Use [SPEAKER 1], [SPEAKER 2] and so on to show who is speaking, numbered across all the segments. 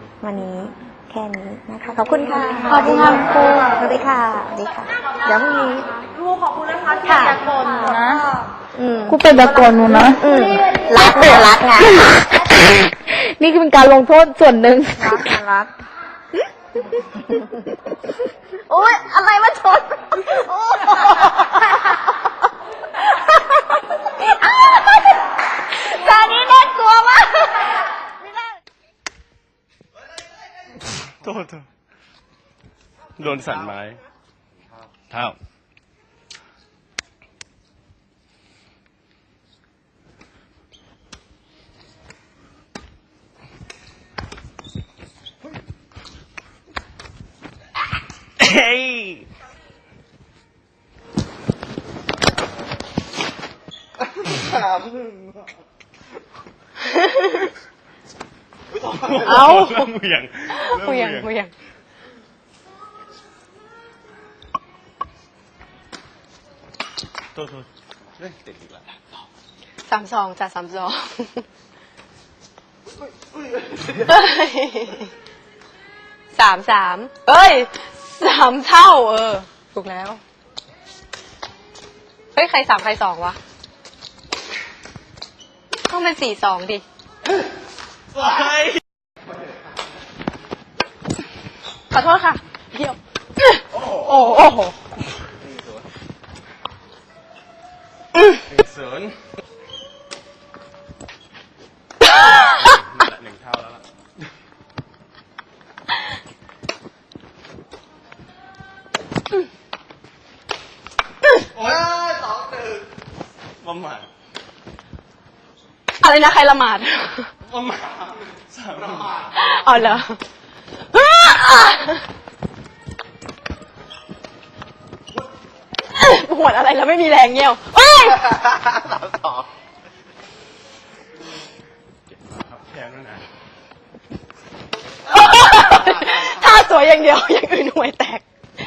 [SPEAKER 1] วันนี้แค่นี้นะคะขอบคุณค่ะ
[SPEAKER 2] ขอบคุณค่ะครู
[SPEAKER 1] สวัสดีค่ะสวัสดีค่ะเดี๋ยวพรุ่งนี้
[SPEAKER 3] ครูขอบคุณนะคะที่อยากกดนะ
[SPEAKER 2] กูเป็นตะโกนหนูนะ
[SPEAKER 1] รักเนี่ยรักไง
[SPEAKER 2] นี่คือเป็นการลงโทษส่วนหนึ่ง
[SPEAKER 3] รักนะรัก
[SPEAKER 1] โอ๊ยอะไรมาชนจานนี้น่ากลัวมาก
[SPEAKER 4] โทษโดนสั่นไม้เท้าเฮ้ยเอาเริ่มเหวี่ยงโทษเล่นติดอีกแล้ว
[SPEAKER 2] 32จ้ะ3233เอ้ย3เท่าถูกแล้วเฮ้ยใคร3ใคร2วะต้องเป็น4-2ดิขอโทษค่ะเดี๋ยวโอ้โห
[SPEAKER 4] 1-0 1 เท่าแล้วล่ะโอ้ย2-1ประมาท
[SPEAKER 2] อะไรนะใครละหมาด
[SPEAKER 4] ประมาท3ประมาท
[SPEAKER 2] อ๋อเหรอปวดอะไรแล้วไม่มีแรงเงี้ยวเอ้ย
[SPEAKER 4] 3-2แพ้แล้วนะ
[SPEAKER 2] ท่าสวยอย่างเดียวอย่างอื่นห่วยแตก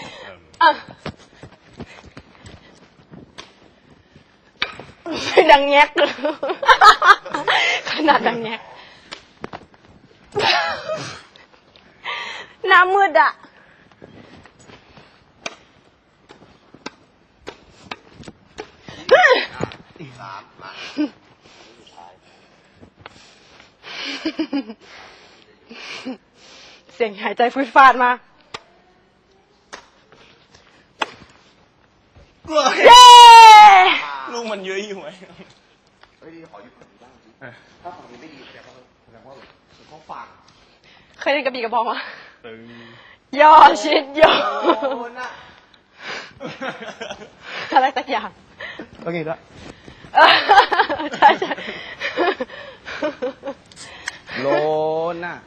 [SPEAKER 2] ดังแงกขนาดดังแงกน้ำมืดอ่ะเสียงหายใจฟืดฟาดมาเย้
[SPEAKER 4] ลูกมันเยอะอยู่ไหม
[SPEAKER 2] เคยเล่นกระบี่กระบองวะ
[SPEAKER 4] ตึง
[SPEAKER 2] ย่อชิดย่ออะไรสักอย่าง
[SPEAKER 4] โอเคแล้ว
[SPEAKER 2] ใช่ใช่
[SPEAKER 4] โลนน่ะ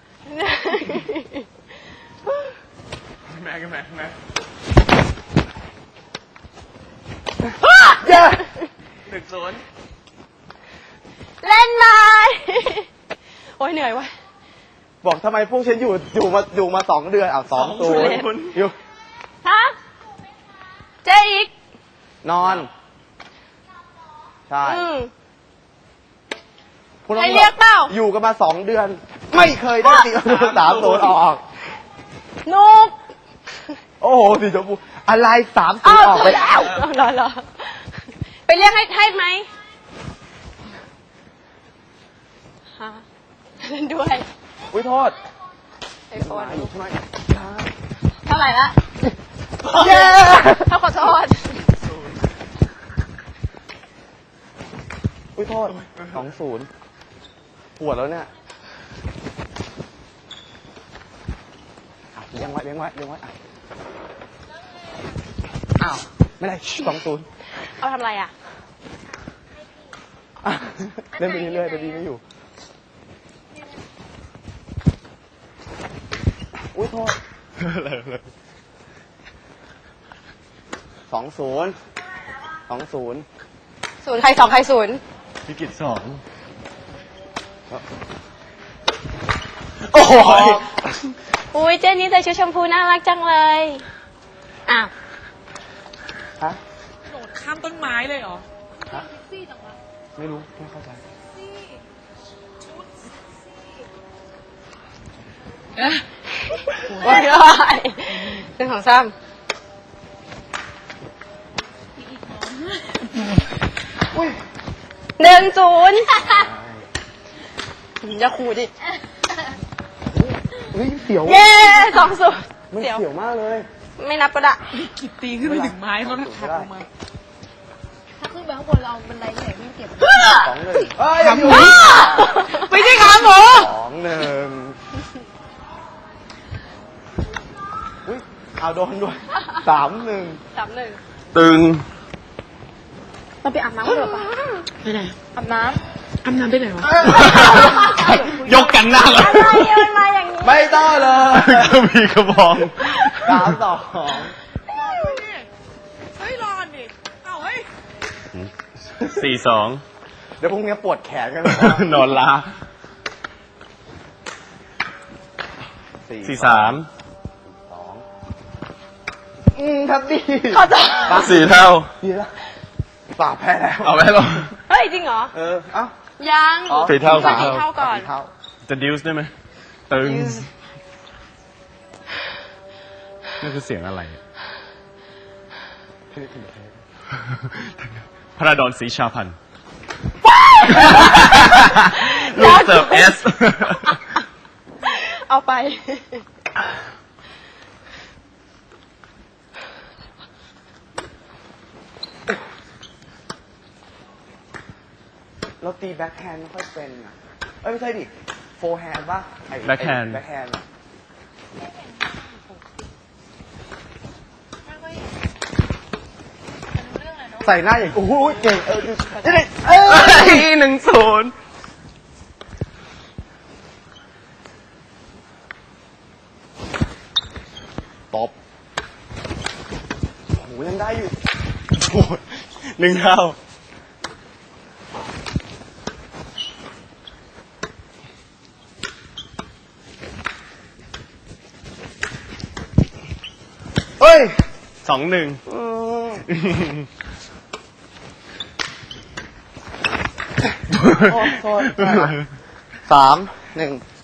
[SPEAKER 4] แม่กันแม่
[SPEAKER 2] เย้
[SPEAKER 4] 1-0
[SPEAKER 2] เล่นไหมโอ้ยเหนื่อยว่ะ
[SPEAKER 5] บอกทำไมพวกฉันอยู่มา2 เดือน2 ตัวอยู่
[SPEAKER 2] ฮะเจ๊อีก
[SPEAKER 5] นอนใช่คุณ
[SPEAKER 2] ใครเรียกเปล่า
[SPEAKER 5] อยู่กันมา2 เดือน ไม่เคยได้ตี3-0ออก
[SPEAKER 2] นุก
[SPEAKER 5] โอ้โหสีชมพูอะไร3-0ออกไปแล้ว
[SPEAKER 2] รอไปเรียกให้ไหมฮะเล่นด้วย
[SPEAKER 5] อุ้ยโทษ
[SPEAKER 2] ไอโฟน
[SPEAKER 5] อยู่ใช่ไหม
[SPEAKER 2] เท่าไหร่ละ
[SPEAKER 5] เย้
[SPEAKER 2] ถ้าขอโทษ
[SPEAKER 5] อุ้ยโทษ2-0ปวดแล้วเนี่ยเลี้ยงไว้อ้าวไม่ได้2-0
[SPEAKER 2] เอาทำอะไรอ่ะ
[SPEAKER 5] เล่นไปเรื่อยๆแต่ดีไม่อยู่อุ้ยโทษ2-0
[SPEAKER 2] ศูนย์ใคร2ใคร0
[SPEAKER 4] พิกิจ2โอ้โห
[SPEAKER 2] อุ้ยเจนนี่ใส่ชุดชมพูน่ารักจังเลยอ้าว
[SPEAKER 5] ฮะ
[SPEAKER 3] โดดข้ามต้นไม้เลยเหรอ
[SPEAKER 5] ฮะไม่รู้ไม่เข้าใจ
[SPEAKER 2] ไม่ได้หนึ่งสองสาม1-0อย่าขู่ดิ
[SPEAKER 5] เฮ้ยเสียว
[SPEAKER 2] เย้2-0
[SPEAKER 5] มันเสียวมากเลย
[SPEAKER 2] ไม่นับก็ได้
[SPEAKER 3] กิดตีขึ้นไปถึงไม้มันหักลงมา
[SPEAKER 1] ถ้าขึ้นไปข้างบนเราบันไดไหนไม่เก็บ
[SPEAKER 5] 2-1เอ้ยยังอยู่
[SPEAKER 3] ไม่ใช่ขาหมู
[SPEAKER 5] 2-1อุ้ยเอาโดนด้วย 3-1
[SPEAKER 2] 3-1
[SPEAKER 4] ตึง
[SPEAKER 2] เราไปอาบน้ำกันเถอะปะ
[SPEAKER 3] ไปไหน
[SPEAKER 2] อาบน้
[SPEAKER 3] อาบน้ำไปไหนวะ
[SPEAKER 4] ยกกันหน้าเลย
[SPEAKER 2] ำอะไรมันมาอย่างนี้
[SPEAKER 5] ไม่ต้องเลย
[SPEAKER 4] ก็มีกระบอง
[SPEAKER 5] 3-2
[SPEAKER 3] เฮ้ยรอนดิเอ้าเฮ้ย
[SPEAKER 4] 4-2
[SPEAKER 5] เดี๋ยวพรุ่งนี้ปวดแขนกันเลย
[SPEAKER 4] นอนลา
[SPEAKER 5] 4-3
[SPEAKER 4] 4-3
[SPEAKER 5] ครับดี
[SPEAKER 2] ขอโทษ
[SPEAKER 4] 4 เท่า
[SPEAKER 5] ดีแล้วป่าแพ้แล้ว
[SPEAKER 4] เอาไว้ลง
[SPEAKER 2] เฮ้ย จริงเหรอ
[SPEAKER 5] เอ้า
[SPEAKER 2] ยัง
[SPEAKER 5] อ๋อ
[SPEAKER 4] 4 เท่า
[SPEAKER 2] สี่
[SPEAKER 4] 4
[SPEAKER 2] เท่าก่อน
[SPEAKER 5] 4 เท่า
[SPEAKER 4] จะดิวส์ได้ไหมตึงนั่นคือเสียงอะไร พระดอนศรีชาพันธ์ลูกเสิร์ฟเอส
[SPEAKER 2] เอาไป
[SPEAKER 5] เราตีแบ็คแฮนด์ไม่ค่อยเป็นอ่ะเอ้ยไม่ใช่ดิโฟร์แฮนด์ป่ะไอ้
[SPEAKER 4] Backhand
[SPEAKER 5] แบ็คแฮนด์อะใส่หน้าอย่างโอ้โหเก่ง
[SPEAKER 4] 1-0
[SPEAKER 5] ตบโอ้โหยังได้อยู่
[SPEAKER 4] โอ้ย1 เท่า
[SPEAKER 5] เฮ้ย
[SPEAKER 4] 2-1
[SPEAKER 5] โทษ3-1